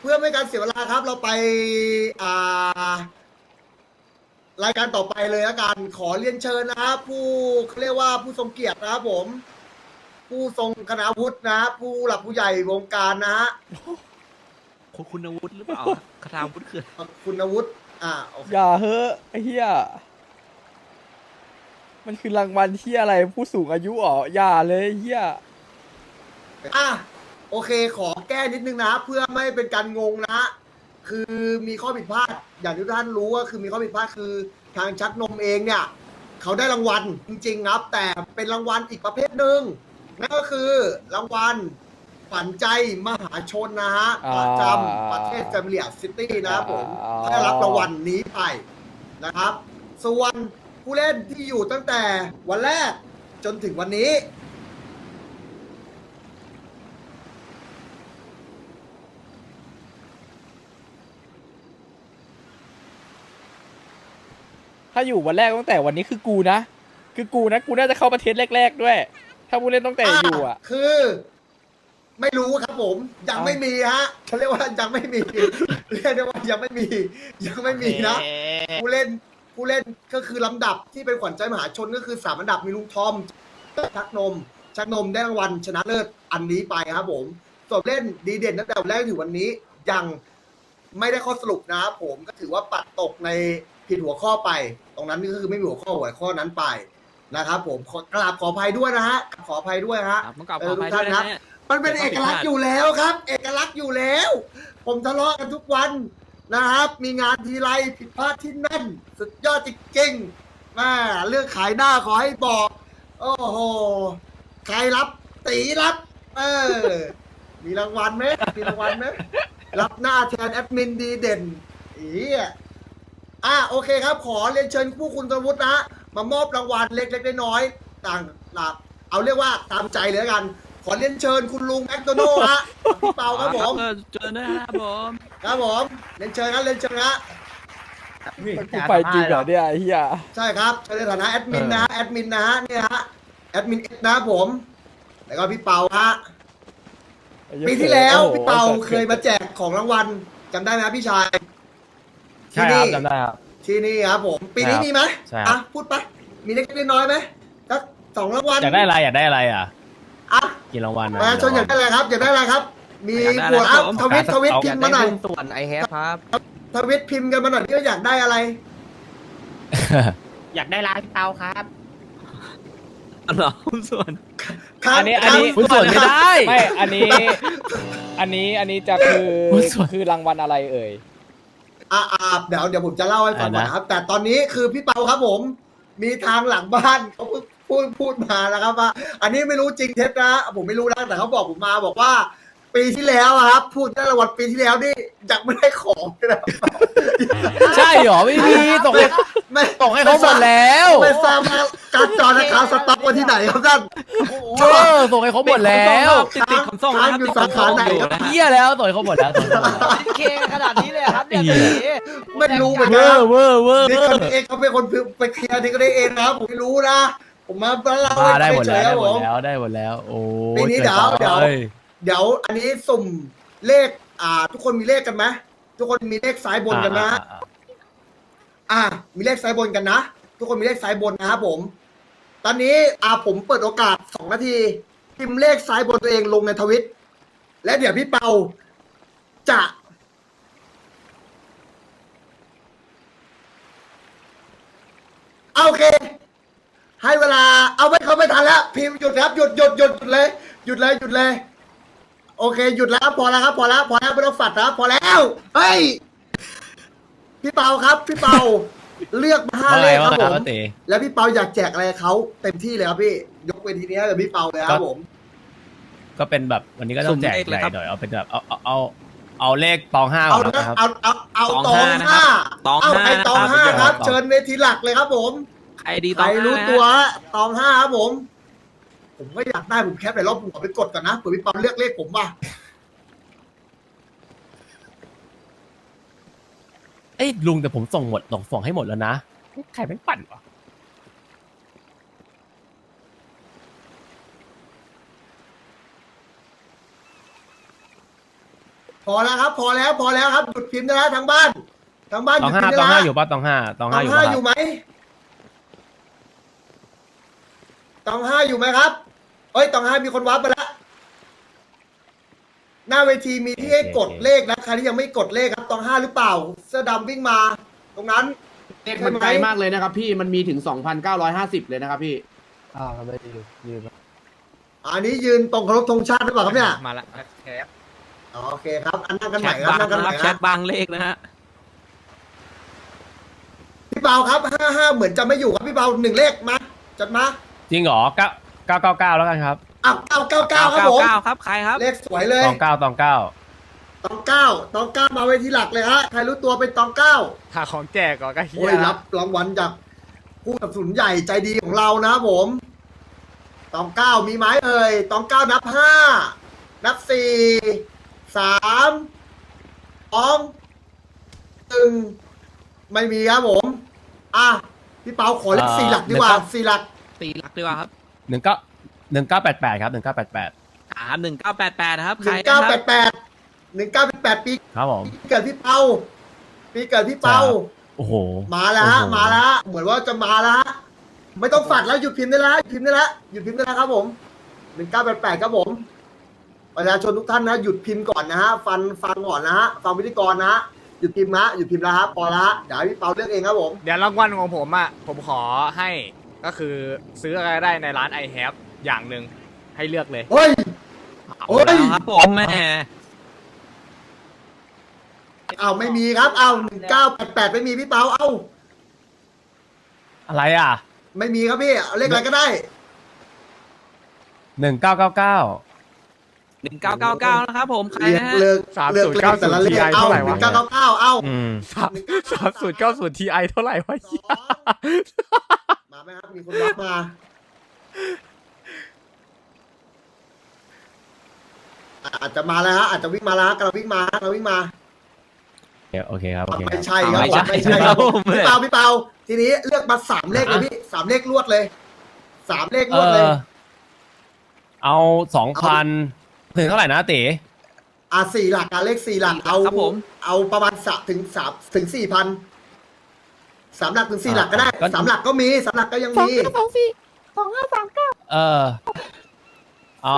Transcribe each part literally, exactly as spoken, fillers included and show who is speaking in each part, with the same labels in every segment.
Speaker 1: เพื่อไม่ให้การเสียเวลาครับเราไปอ่ารายการต่อไปเลยละกันขอเรียนเชิญนะครับผู้เขาเรียกว่าผู้ทรงเกียรตินะครับผมผู้ทรงคณาวุฒินะฮะผู้หลักผู้ใหญ่วงการนะฮะ
Speaker 2: คุณคุณวุฒิหรือเปล่าคาถาวุฒิคือ
Speaker 1: คุณวุฒิอ่าโอเค
Speaker 3: อย่าเฮ้อไอ้เหี้ยมันคือรางวัลที่อะไรผู้สูงอายุอ๋ออย่าเลยไอ้เหี้ย
Speaker 1: อ่ะโอเคขอแก้นิดนึงนะเพื่อไม่เป็นการงงนะคือมีข้อผิดพลาดอย่างที่ท่านรู้ก็คือมีข้อผิดพลาดคือทางชักนมเองเนี่ยเขาได้รางวัลจริงๆครับแต่เป็นรางวัลอีกประเภทหนึ่งนั่นก็คือรางวัลฝันใจมหาชนนะฮะประจำประเทศแฟมิเลียซิตี้นะครับผมได้รับรางวัลนี้ไปนะครับ ส่วนผู้เล่นที่อยู่ตั้งแต่วันแรกจนถึงวันนี้
Speaker 3: ถ้าอยู่วันแรกตั้งแต่วันนี้คือกูนะคือกูนะกูน่าจะเข้าประเทศแรกๆด้วย ถ้าผู้เล่นตั้งแต่อยู่อ่ะ
Speaker 1: คือ ไม่รู้ครับผมยังไม่มีฮะเขาเรียกว่ายังไม่มีเรียกได้ว่ายังไม่มียังไม่มีนะผู้เล่นผู้เล่นก็คือลำดับที่เป็นขวัญใจมหาชนก็คือสามอันดับมีลุงทอมชักนมชักนมได้รางวัลชนะเลิศอันนี้ไปครับผมส่วนเล่นดีเด่นตั้งแต่วันแรกถึงวันนี้ยังไม่ได้ข้อสรุปนะครับผมก็ถือว่าปัดตกในผิดหัวข้อไป ตรงนั้นก็คือไม่มีหัวข้อหัวข้อนั้นไปนะครับผมขอกราบขออภัยด้วยนะฮะขออภัยด้วยฮะ
Speaker 2: ครับต้องกลับขออภัยด้วยนะเนี่ย
Speaker 1: มันเป็นเอกลักษณ์อยู่แล้วครับ เอกลักษณ์อยู่แล้ว ผมทะเลาะกันทุกวันนะครับ มีงานทีไรผิดพลาดที่นั่น สุดยอดจริงๆแม่เรื่องขายหน้าขอให้บอก โอ้โห ใครรับตีรับ เออ มีรางวัลไหมมีรางวัลไหมรับหน้าแทนแอดมินดีเด่นอีอ่ะโอเคครับ ขอเรียนเชิญผู้คุณสวุฒินะ มามอบรางวัลเล็กๆน้อยๆต่างๆเอาเรียกว่าตามใจเลยละกัน ขอเรียนเชิญคุณลุงแมคโดนัลด์ฮะพี่เปาครับผม
Speaker 2: เจอนะครับผม
Speaker 1: ครับผมเรียนเชิญครับเรียนเชิญนะ
Speaker 3: กูไปจริงเหรอเนี่ยไอ้เหี้ย
Speaker 1: ใช่ครับในฐานะแอดมินนะฮะแอดมินนะฮะเนี่ยฮะแอดมินเอ็กซ์นะครับผมแล้วก็พี่เปาฮะปีที่แล้วพี่เปาเคยมาแจกของรางวัลจำได้ไหมครับพี่ชาย
Speaker 4: ใช่ครับจำได้ครับ
Speaker 1: ที่นี่ครับผม ปีนี้มีไหม
Speaker 4: ใช่ครับ
Speaker 1: อ่ะพูดไปมีเล็กๆน้อยๆไหมสักสองรางวัล
Speaker 4: อยากได้อะไรอยากได้อะไรอ่ะ
Speaker 1: อ่ะ
Speaker 4: กี่รางวัล
Speaker 1: ประชาชนอยากได้อะไรครับอยากได้อะไรครับ มีหัวอัพทวิตทวิตพิมพ์มาหน่อย
Speaker 2: ส่วนไอแฮปครับ
Speaker 1: ทวิตพิมพ์กันมาหน่อยที่ว่าอยากได้อะไร
Speaker 5: อยากได้ร้านพี่เปาครับ
Speaker 2: เหรอส่วน
Speaker 1: ครับ
Speaker 3: อันนี้อันนี้
Speaker 4: หุ้นส่วนไม่ได้
Speaker 3: ไม่อันนี้ อันนี้อันนี้จะคือ
Speaker 4: หุ้นส่วน
Speaker 3: คือรางวัลอะไรเอ่ย
Speaker 1: อ่าอ่าเดี๋ยวเดี๋ยวผมจะเล่าให้ฟังก่อน
Speaker 4: อ่านะ
Speaker 1: นะครับ แต่ตอนนี้คือพี่เปาครับผม มีทางหลังบ้านเขาพูดพูดพูดมานะครับว่า อันนี้ไม่รู้จริงเท็จนะผมไม่รู้นะแต่เขาบอกผมมาบอกว่า ปีที่แล้วอะครับ พูดได้รางวัลปีที่แล้วนี่ยังไม่ได้ของเลยนะ
Speaker 4: ใช่เหรอไม่มีส่งให้
Speaker 1: ไม่
Speaker 4: ส่งให้เขาหมดแล้ว
Speaker 1: ไม่ทราบว่าการจอนะครับสต็อกวันที่ไหนครับท่าน
Speaker 4: เออส่งให้เขาหมดแล้ว
Speaker 2: ติดติดคำส่งนะครับ
Speaker 1: อยู่สาขาไหนครับ
Speaker 4: เฮียแล้วส่งให้เขาหมดแล้วส่งให้เขาหมดแล้ว
Speaker 5: เคขนาดนี้เลยครับเนี่ย
Speaker 4: เหี้ย
Speaker 5: ตี
Speaker 1: ไม่รู้เหมือน
Speaker 4: เว
Speaker 1: กั
Speaker 4: อน ร์เวอร์เวอร์
Speaker 1: นี่คนเองเขาเป็นคนไปเคลียร์นี่ก็ได้เองนะครับผมไม่รู้นะ ผมมาเล่า
Speaker 4: มาได้
Speaker 1: ให้
Speaker 4: หมด
Speaker 1: เฉ
Speaker 4: แล้
Speaker 1: ยว ๆครับ
Speaker 4: ได้หม
Speaker 1: ผ
Speaker 4: ด
Speaker 1: ม
Speaker 4: แล้วได้หมดแล้วโอ้
Speaker 1: ปีนี้เดี๋ยวเดี๋ยว
Speaker 4: อ้
Speaker 1: เดี๋ยวอันนี้สุ่มเลข อ่า ทุกคนมีเลขกันไหมทุกคนมีเลขซ้ายบนกันนะ
Speaker 4: อ่าอ่าอ่า
Speaker 1: อ่า มีเลขซ้ายบนกันนะ ทุกคนมีเลขซ้ายบนนะครับผม ตอนนี้อ่าผมเปิดโอกาสสองนาทีพิมพ์เลขซ้ายบนตัวเองลงในทวิต และเดี๋ยวพี่เปาจะโอเค ให้เวลาเอาไม่เขาไม่ทันแล้ว พิมพ์หยุดครับหยุดหยุดหยุดหยุดเลย หยุดเลยหยุดเลย โอเค หยุดแล้วพอแล้วครับพอแล้วพอแล้วไม่ต้องฝัดครับพอแล้วเฮ้ยพี่เปาครับ พี่เปา เลือกมาห้า
Speaker 4: ว่า
Speaker 1: เล
Speaker 4: ไง
Speaker 1: ขค
Speaker 4: ว่า
Speaker 1: รับ
Speaker 4: ไง
Speaker 1: ผม
Speaker 4: ว่าเต๋
Speaker 1: แล้วพี่เปาอยากแจกอะไรเขาเต็มที่เลยครับพี่ยกเวทีนี้ให้กับพี่เปาเลยครับผม
Speaker 4: ก็เป็นแบบวันนี้ก็ต้องแจก
Speaker 2: สุ่มเลข
Speaker 4: ให
Speaker 2: เลย
Speaker 4: ญ่
Speaker 2: ครับ
Speaker 4: หน่อยเอาเป็นแบบเอาเอาเอาเอาเลขตองห้าก่
Speaker 1: เอา
Speaker 4: อน
Speaker 1: นะ
Speaker 4: นะครับ
Speaker 1: เอาเอาเอา
Speaker 2: ต
Speaker 1: ต
Speaker 2: อ
Speaker 1: อง ง
Speaker 2: ห้า
Speaker 1: ห้า
Speaker 2: ตอง
Speaker 1: เอา
Speaker 2: ห้า
Speaker 1: ไอ้ตองห้า
Speaker 2: นะครับ
Speaker 1: ครับ เชิญเวทีหลักเลยครับผม
Speaker 2: ใครดี
Speaker 1: ใค
Speaker 2: ต่
Speaker 1: ร
Speaker 2: อ
Speaker 1: รู้
Speaker 2: นะ
Speaker 1: ตัวตองห้าครับผม ผมก็อยากได้ผมแคปไปรอบผมขอไปกดก่อนนะเผื่อพี่เปาเลือกเลขผมว่ะ
Speaker 4: เอ้ยลุงแต่ผมส่งหมดส่งส่งให้หมดแล้วนะใครแม่งปั่นวะ
Speaker 1: พอแล้วครับ พอแล้วพอแล้วครับหยุดพิมพ์ได้แล้วทั้งบ้านทั้งบ้านห
Speaker 4: ตอ
Speaker 1: ยุ
Speaker 4: ง
Speaker 1: ด
Speaker 4: ห้า
Speaker 1: พิมพ์
Speaker 4: ต
Speaker 1: ได้
Speaker 4: อง
Speaker 1: แล้
Speaker 4: ห้าว อยู่ป่ะตองห้าตอง
Speaker 1: ต
Speaker 4: ห้า
Speaker 1: อง
Speaker 4: อยู่
Speaker 1: ห้า
Speaker 4: ป่ะ
Speaker 1: อยู่ไหมตองห้าอยู่ไหมครับเอ้ยตองห้ามีคนวับไปแล้วหน้าเวทีมีที่ให้กดเลขนะใครที่ยังไม่กดเลขครับตองห้าหรือเปล่า เสื้อดำวิ่งมา ตรงนั้น
Speaker 6: เลขมันไกลมากเลยนะครับพี่มันมีถึง สองพันเก้าร้อยห้าสิบ เลยนะครับพี่
Speaker 3: อ่าทำไมยืน
Speaker 1: อันนี้ยืนตรงเคารพธงชาติหรือเปล่าครับเนี่ย
Speaker 2: มาละแชท
Speaker 1: อ๋อโอเคครับ อันนั่งกัน
Speaker 2: แช
Speaker 1: ใหม่
Speaker 2: ท
Speaker 1: ครับ
Speaker 2: บาง
Speaker 1: นั่งกันให
Speaker 2: นะ
Speaker 1: ม่
Speaker 2: ครับแช
Speaker 1: ครั
Speaker 2: ท
Speaker 1: บบ
Speaker 2: างเลขนะฮะ
Speaker 1: พี่เปาครับห้าห้าเหมือนจะไม่อยู่ครับพี่เปาหนึ่งเลขมาจัดมา
Speaker 4: จริงเหรอเก้าเก้าเก้าเก้าแล้วกันครับ
Speaker 1: อ้าวเก้าเก้าเก้าครับผม
Speaker 2: เก้าครับใครครับ
Speaker 1: เลขสวยเลย
Speaker 4: ตองเก้าตองเก้า
Speaker 1: ตองเก้าตองเก้ามาเวทีหลักเลยฮะใครรู้ตัวเป็นตองเก้า
Speaker 3: หาของแจกก่อนก็เฮี
Speaker 1: โอ้ย
Speaker 3: ย
Speaker 1: รับรางวัลจากผู้สนับสนุนใหญ่ใจดีของเรานะครับผมตองเก้ามีไหมเอ่ยตองเก้านับห้านับสี่สามสองหนึ่งไม่มีครับผมอ่ะพี่เปาขอเลขสี่หลักดีกว่าสี่หลัก
Speaker 2: ตีหลักดีกว่าครับ
Speaker 4: หนึ่งเก้าหนึ่งเก้าแปดแปดครับหนึ่งเก้าแปดแปด
Speaker 2: อ่าหนึ่งเก้าแปดแปดนะครับ
Speaker 1: ห
Speaker 2: ใคร
Speaker 1: นึ่ง
Speaker 2: นะ
Speaker 1: เก้า
Speaker 2: ค
Speaker 1: แป
Speaker 2: รับ
Speaker 1: ดแปดหนึ่งเก้าแปดแปดปี
Speaker 4: ครับผม
Speaker 1: เกิดพี่เปาปีเกิดพี่เปา
Speaker 4: โอ้โห
Speaker 1: มาแล้วฮะ
Speaker 4: โอ้โห
Speaker 1: มาแล้วฮะเหมือนว่าจะมาแล้วฮะไม่ต้องฝัดแล้วหยุดพิมพ์ได้แล้วหยุดพิมพ์ได้แล้วหยุดพิมพ์ได้แล้วครับผมหนึ่งเก้าแปดแปดครับผมประชาชนทุกท่านนะหยุดพิมพ์ก่อนนะฮะฟังฟังก่อนนะฮะฟังพิธีกรนะฮะหยุดพิมพ์นะหยุดพิมพ์แล้วครับพอละเดี๋ยวให้พี่เปาเลือกเองครับผม
Speaker 3: เดี๋ยวรางวัลของผมอ่ะ ผมขอให้ก็คือซื้ออะไรได้ในร้าน I have อย่างหนึ่งให้เลือกเลย
Speaker 1: เฮ้ย
Speaker 2: เอา
Speaker 1: โอ้ย
Speaker 2: แล้วครับผมแม่
Speaker 1: เอาไม่มีครับเอาหนึ่งเก้าแปดแปดไม่มีพี่เปาเอา
Speaker 4: อะไรอ่ะ
Speaker 1: ไม่มีครับพี่เอาเลขอะไรก็ได้
Speaker 4: หนึ่งเก้าเก้าเก้า
Speaker 2: หนึ่งเก้าเก้าเก้านะครับผมใคร
Speaker 1: เลือก
Speaker 2: นะฮะ
Speaker 1: เลือก
Speaker 3: สาม
Speaker 1: เลือก
Speaker 3: ศูนย์
Speaker 1: เลข
Speaker 3: เก้า
Speaker 1: แต่ละเลข
Speaker 3: ศูนย์
Speaker 1: เอา
Speaker 3: เท่าไหร่
Speaker 1: ห
Speaker 3: วะ
Speaker 1: นึ่งเก้าเก้าเก้าเอา
Speaker 4: อืม
Speaker 3: สามสามศูนย์เก้าศูนย์ทีไอเท่าไหร่วะเหี้ย
Speaker 1: มาไหมครับมีคนรับมาอาจจะมาแล้วฮะอาจจะวิ่งมาแล้วฮะกำลังวิ่งมาฮะกำลังวิ่งมา
Speaker 4: โอเคครับโอเคค
Speaker 1: ไม่
Speaker 4: รับ
Speaker 1: ใช่ครับ
Speaker 2: ไม่ใช่
Speaker 1: ไม่ใช่ครับ
Speaker 2: ครับผม
Speaker 1: พี่เปาพี่เปาทีนี้เลือกมาสามเลขเลยพี่สามเลขรวดเลยสามเลขร
Speaker 4: เอ
Speaker 1: วดเลย
Speaker 4: อเอาสองพันถึงเท่าไหร่นะเต๋
Speaker 1: อ่ะสี่หลักอ่ะเลขสี่หลักเอา
Speaker 2: ครับผม
Speaker 1: เอาประมาณสามถึงสามถึงสี่พันสามหลักถึงสี่หลักก็ได้สามหลักก็มีสามหลักก็ยังมี
Speaker 4: เออเอา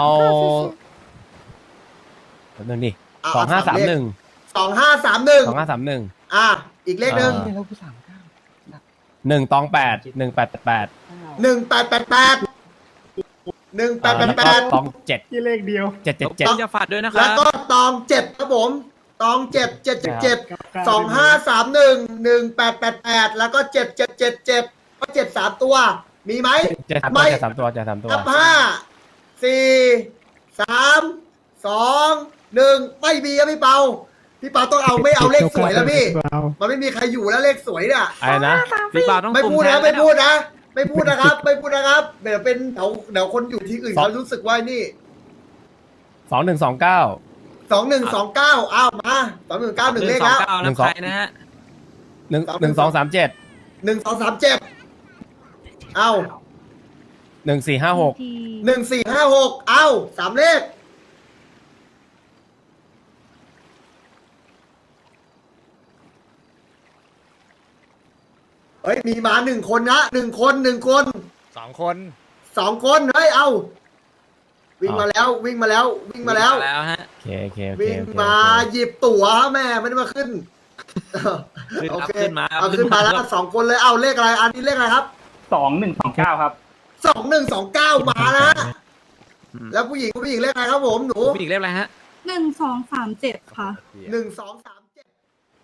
Speaker 4: แป๊บนึงดิ
Speaker 1: เา
Speaker 4: สองห้าสามหนึ่ง
Speaker 1: สองห้าสามหนึ่ง
Speaker 4: สองห้าสามหนึ่ง
Speaker 1: อ่ะอีกเลขหนึ่ง
Speaker 4: หนึ่งตองแปดหนึ่งแปดแปด
Speaker 1: หนึ่งแปดแปดแปดหนึ่งแปดแปดแปด
Speaker 4: ตองเจ็ด
Speaker 3: ที่เลขเดียว
Speaker 4: เจ็ดเจ็ด
Speaker 2: ต้
Speaker 4: เจ็ด
Speaker 2: องจะฝาดด้วยนะค
Speaker 1: แล้
Speaker 2: รั
Speaker 1: ว
Speaker 2: บ
Speaker 1: ก็ตองเจ็ดครับผมตองเจ็ดเจ็ดเจ็ดเจ็ดสองห้าสามหนึ่งหนึ่งแปดแปดแปดแล้วก็เจ็ดเจ็ดเจ็ดเจ็ดก็เจ็ดสามตัว มีไหม
Speaker 4: เจ็ดสามตัว
Speaker 1: ไม่
Speaker 4: เจ็ดสามตัวเจ็ดสามตัว
Speaker 1: นับห้าสี่สามสองหนึ่งไม่มีครับพี่เปาพี่เปาต้องเอาไม่เอาเลขสวยแล้วพี่ มันไม่มีใครอยู่แล้วเลขสวยเนี่ย
Speaker 4: อะไรนะ
Speaker 2: พี่เปาต้อง
Speaker 1: ไม่
Speaker 2: สุ่
Speaker 1: พูด
Speaker 2: แท
Speaker 1: นะ
Speaker 2: น
Speaker 1: ไม่
Speaker 2: แล้ว
Speaker 1: พูดนะ ไม่พูดนะครับ ไม่พูดนะครับเดี๋ยวเป็นเดี๋ยวเดี๋ยวคนอยู่ที่อื่น
Speaker 4: สอง
Speaker 1: เขารู้สึกว่านี่
Speaker 4: สองหนึ่งสองเก้า
Speaker 1: สองหนึ่งสองเก้าอ้าวมาสองหนึ่งเก้าหนึ่งเลขแล้ว
Speaker 2: สองเก้า
Speaker 4: หนึ่
Speaker 2: แล้ว
Speaker 4: งสอง
Speaker 2: ใครนะฮะ
Speaker 4: หนึ่งหนึ่งสองสามเจ็ด
Speaker 1: หนึ่งสองสามเจ็ดเอ้า
Speaker 4: หนึ่งสี่ห้าหก
Speaker 1: หนึ่งสี่ห้าหกเอ้าสามเลขเฮ้ยมีมาหนึ่งคนนะหนึ่งคนหนึ่งคน
Speaker 3: สองคน
Speaker 1: สองคนเฮ้ยเอ้าวิ่งมาแล้ววิ่งมาแล้ว วิ่งมาแล้ว
Speaker 2: แล้วฮะ
Speaker 4: โอเคโอเคโอเค
Speaker 1: วิ่ง
Speaker 4: โอเค
Speaker 1: มาหยิบตั๋วแม่ไม่ได้มาขึ้น
Speaker 2: ขึ้น
Speaker 1: โอ
Speaker 2: ครับ
Speaker 1: เค
Speaker 2: ขึ้นมา
Speaker 1: เอาขึ้นมาแล้วสองคนเลยเอาเลขอะไรอันนี้เลขอะไรครับ
Speaker 7: สองหนึ่งสองเก้าครับ
Speaker 1: สองหนึ่งสองเก้ามานะแล้วผู้หญิงผู้หญิงเลขอะไรครับผมหนู
Speaker 2: ผู้หญิงเรียกอะไรฮะ
Speaker 8: หนึ่งสองสามเจ็ดค่ะ
Speaker 1: หนึ่งสองสามเจ็ด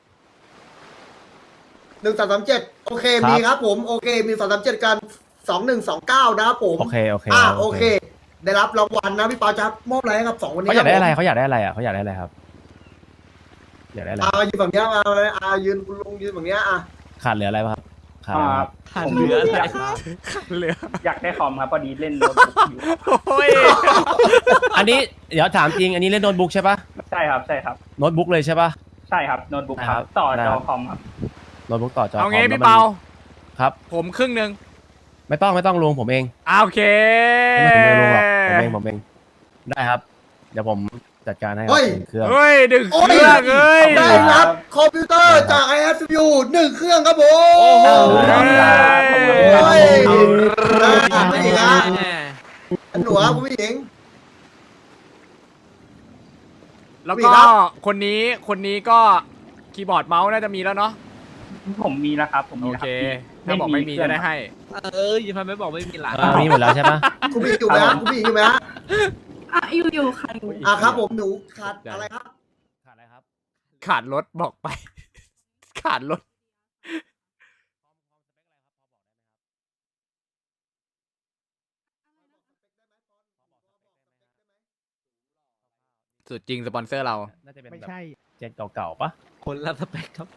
Speaker 1: หนึ่งสองสามเจ็ดโอเคมีครับผมโอเคมีสองสามเจ็ดกันสองหนึ่งสองเก้านะครับผม
Speaker 4: โอเคโอเค
Speaker 1: อ่าโอเค ได้รับรางวัลนะพี่ปาจะมอบอะไรให้กับสองคนนี้
Speaker 4: เขาอยากได้อะไร
Speaker 1: คบ
Speaker 4: เขาอยากได้อะไรอ่ะเขาอยากได้อะไรครับ อยากได้อะไร
Speaker 1: ผมอ่ายืนฝั่งเนี้ยมาอ่ายืนคุณลุงยืนฝั่งเนี้ยอ่ะ
Speaker 4: ขาดเหลืออะไรบ้างครับขาดอะไรครับ
Speaker 2: ขาดเหลืออะไร
Speaker 3: เหลือ
Speaker 7: อยากได้คอมครับพอดีเล่นโน้ตบุ๊กอยู่
Speaker 3: โอ้ย
Speaker 4: อันนี้เดี๋ยวถามจริง อันนี้เล่นโน้ตบุ๊กใช่ปะ
Speaker 7: ใช่ครับใช่ครับ
Speaker 4: โน้ตบุ๊กเลยใช่ปะ
Speaker 7: ใช่ครับโน้ตบุ๊ก
Speaker 4: ได้
Speaker 7: ค
Speaker 4: ครั
Speaker 7: รับบ ต่อ
Speaker 4: ได้
Speaker 7: จ
Speaker 4: ครั
Speaker 7: อบ คอมครับ
Speaker 4: โน้ตบุ๊กต่อจอ
Speaker 3: เอางี้
Speaker 4: คม
Speaker 3: พี่
Speaker 4: แล้วมัน
Speaker 3: เปา
Speaker 4: ครับ
Speaker 3: ผมครึ่งหนึ่ง
Speaker 4: ไม่ต้องไม่ต้องลุงผมเอง
Speaker 3: อ่าโอเค
Speaker 4: ไม่ต้องผมไม่ลุงหรอกผมเองผมเองได้ครับ เดี๋ยวผมจัดการให้ค
Speaker 1: เฮ้
Speaker 4: รับ
Speaker 1: ย
Speaker 4: หนึ่งเครื่อง
Speaker 3: เฮ้ยดึง
Speaker 1: โอ้
Speaker 3: เค
Speaker 1: ย
Speaker 3: รื่องเอ้ย
Speaker 1: ได้รับคอมพิวเตอร์จาก ไอ เอส ยู หนึ่งเครื่องครับผม
Speaker 3: โอ้โห
Speaker 1: โอ้ย
Speaker 3: เอา
Speaker 1: นะผู้หญิงอ่ะอันหนูครับผู้หญิง
Speaker 3: แล้ว
Speaker 1: มี
Speaker 3: ก็
Speaker 1: ครับ
Speaker 3: คนนี้คนนี้ก็คีย์บอร์ดเมาส์น่าจะมีแล้วเนาะ
Speaker 7: ผมมีแล้วครับ ผมมี
Speaker 3: โอ
Speaker 7: แล้ว
Speaker 3: เค
Speaker 7: ครับ
Speaker 3: ถ้าบอกไม่มีจะได้ให้
Speaker 2: เออยังทำไมบอกไม่มีหลาน
Speaker 4: เออมีหมดแล้วใช่ปะ
Speaker 1: คุณผู้หญิงอยู่ไหมฮะคุณผู้หญิงอยู่ไหมฮะ
Speaker 8: อ่ะอยู่อยู่ค่ะอยู่
Speaker 1: อ่ะครับผมหนูขาดอะไรครับ
Speaker 4: ขาดอะไรครับ
Speaker 3: ขาดรถบอกไป ขาดรถสุดจริงสปอนเซอร์เรา
Speaker 4: น่าจะเป็นแบบเจนเก่าๆปะ
Speaker 2: คนละสเปคครับ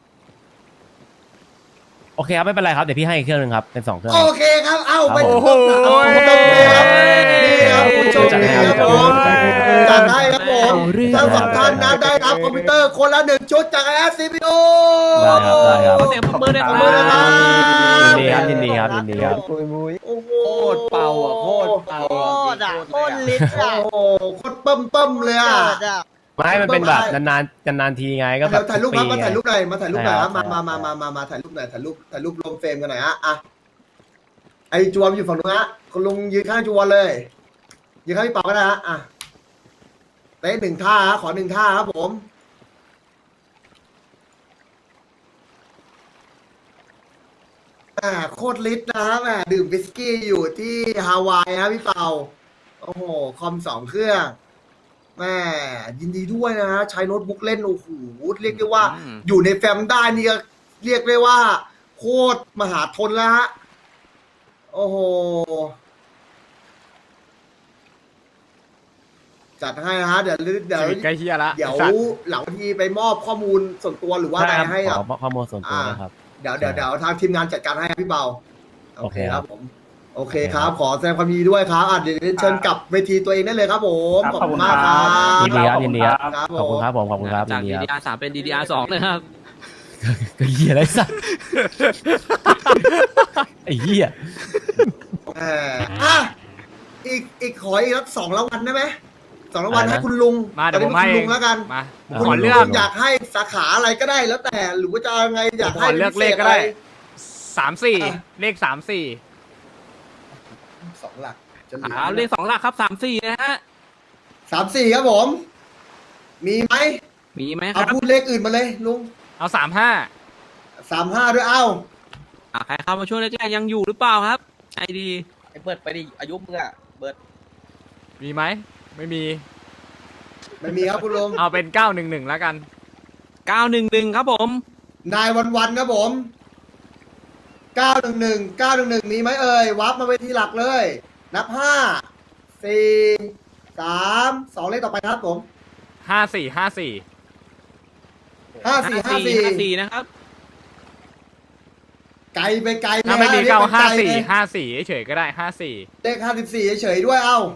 Speaker 4: โอเคครับไม่เป็นไรครับเดี๋ยวพี่ให้อีกเครื่องหนึงครับเป็นสองเครื่อง
Speaker 1: โอเคครับ เอ้าไป
Speaker 3: โอ้โห
Speaker 1: ผมต้องเลยครับนี่ครับผู้โชคดีครับผมจัดให้ครับผมทั้งสองท่านนะได้รับคอมพิวเตอร์คนละหนึ่งชุดจาก ไอ เอส ซี พี ยู
Speaker 4: ได้ครับได้ครับ
Speaker 2: เสียงปรบมือด้วย
Speaker 1: ข
Speaker 2: ค
Speaker 1: อ
Speaker 2: รั
Speaker 1: บบ คุณนะครับ
Speaker 4: ยินดีครับยินดีครับยินดีครับ
Speaker 1: โอ้โห
Speaker 5: โคตรเป่าอ่ะโคตรเป่าโคตรอ่ะโคตรลิตรอ่ะ
Speaker 1: โอ้โหโคตรเบิ่มเบิ่มเลยอ่ะ
Speaker 5: เกิดอ่ะ
Speaker 4: ไม่มันเป็นแบบนานๆนานๆทีไงก็แบ
Speaker 1: เดี๋ย
Speaker 4: บ
Speaker 1: วถ่ายรูปครับมาถ่ายรูปหน่อยมาถ่ายรูปหน่อยครับ
Speaker 4: ใช่
Speaker 1: มา
Speaker 4: ครับ
Speaker 1: มามามามามาถ่ายรูปหน่อยถ่ายรูปถ่ายรูปรวมเฟรมกันหน่อยฮะอ่ะไอจวมอยู่ฝั่งนู้นฮะคุณลุงยืนข้างจวมเลยยืนข้างพี่เปาก็ได้ฮะอ่ะเต้นหนึ่งท่าฮะขอหนึ่งท่าครับผมอ่าโคตรลิตนะฮะแหมดื่มวิสกี้อยู่ที่ฮาวายฮะพี่เปาโอ้โหคอมสองเครื่องแม่ยินดีด้วยนะฮะใช้โน้ตบุ๊กเล่นโอ้โหเรียกได้ว่า
Speaker 3: อืม
Speaker 1: อยู่ในแฟมได้นี่ก็เรียกได้ว่า โคตรมหาทนแล้วฮะ โอ้โห จัดให้นะฮะ เดี๋ยวเดี๋ยว
Speaker 3: ชีวิตใกล้เฮียละ
Speaker 1: เดี๋ยว
Speaker 3: ไอ้สัตว์
Speaker 1: หลังทีไปมอบข้อมูลส่วนตัวหรือว่าอะไร
Speaker 4: ได้ครับ
Speaker 1: ให้
Speaker 4: ข
Speaker 1: กับ
Speaker 4: อข้อมูลส่วนตัวนะครับ
Speaker 1: เดี๋ยวเดี๋ยวเดี๋ยวทางทีมงานจัดการให้ครับพี่เบา
Speaker 4: โอเคครับ
Speaker 1: ผม โอเคครับ ขอแสดงความยินดีด้วยครับอ่ะเดี๋ยวเชิญกลับเวทีตัวเองได้เลยครับผม
Speaker 7: ครับ
Speaker 1: ขอบคุณมากครับ
Speaker 4: ยินดีครับยินดีครับ
Speaker 1: ครับ
Speaker 4: ขอบ
Speaker 1: ผ
Speaker 4: คุณ
Speaker 1: ม
Speaker 4: ครับผมขอบคุณครับยิ
Speaker 2: จาก
Speaker 4: นดีครับ
Speaker 2: ดี ดี อาร์ สามเป็น ดี ดี อาร์ สองนะครับ
Speaker 4: ก็เหี้ยอะไรสักไอ้เหี้ย
Speaker 1: เอออ่ะอีกอีกขออีกสักสองรางวัลได้ไหมสองรางวัลให้คุณลุง
Speaker 3: มาเดี๋ยวผม
Speaker 1: ตอน
Speaker 3: ให้
Speaker 1: นี้คุณลุงแล้วกัน
Speaker 3: มา
Speaker 1: คุณ
Speaker 3: ขอ
Speaker 1: ลุ
Speaker 3: เลือก
Speaker 1: งอยากให้สาขาอะไรก็ได้แล้วแต่หรือว่าจะเอาไงอยาก
Speaker 3: ผม
Speaker 1: ให้
Speaker 3: ขอเลือกเลขก็ได้สามสี่เลขสามสี่
Speaker 1: สองหลักจะหลื
Speaker 2: อ่าเลขสองหลักครับสามสี่นะฮะ
Speaker 1: สามสี่ครับผม มีไหม
Speaker 2: มีไหมค
Speaker 1: เอา
Speaker 2: รับ
Speaker 1: พูดเลขอื่นมาเลยลุง
Speaker 3: เอาสามห้า
Speaker 1: สามห้าด้วยเอ้า
Speaker 2: อ่าใครเข้ามาช่วงแรกๆยังอยู่หรือเปล่าครับไอดี
Speaker 5: ไอ้เบิร์ดไปดิอายุมึงอ่ะเบิร์ด
Speaker 3: มีไหมไม่มี
Speaker 1: ไม่มีครับคุณลุง
Speaker 3: เอาเป็นเก้าหนึ่งหนึ่งแล้วกัน
Speaker 2: เก้าหนึ่งหนึ่งครับผม
Speaker 1: นายวันวันครับผมเก้าหนึ่งหนึ่งเก้าหนึ่งหนึ่งมีไหมเอ่ยวับมาเวทีหลักเลย นับห้าสี่สามสองเลขต่อไปครับผม
Speaker 3: ห้าสี่ห้าสี่
Speaker 1: ห้าสี่ห้าสี่
Speaker 2: ห้าสี่นะครับ
Speaker 1: ไกลไปไกลเลย
Speaker 3: ถ้าไม่มี
Speaker 1: ฮะ
Speaker 3: เก้า
Speaker 1: รีย
Speaker 3: ห้า
Speaker 1: ไปไกล
Speaker 3: สี่
Speaker 1: เลย
Speaker 3: ห้าสี่เฉยๆก็ได้ห้าสี่
Speaker 1: เลขห้าสิบสี่เฉยๆด้วยเอ้า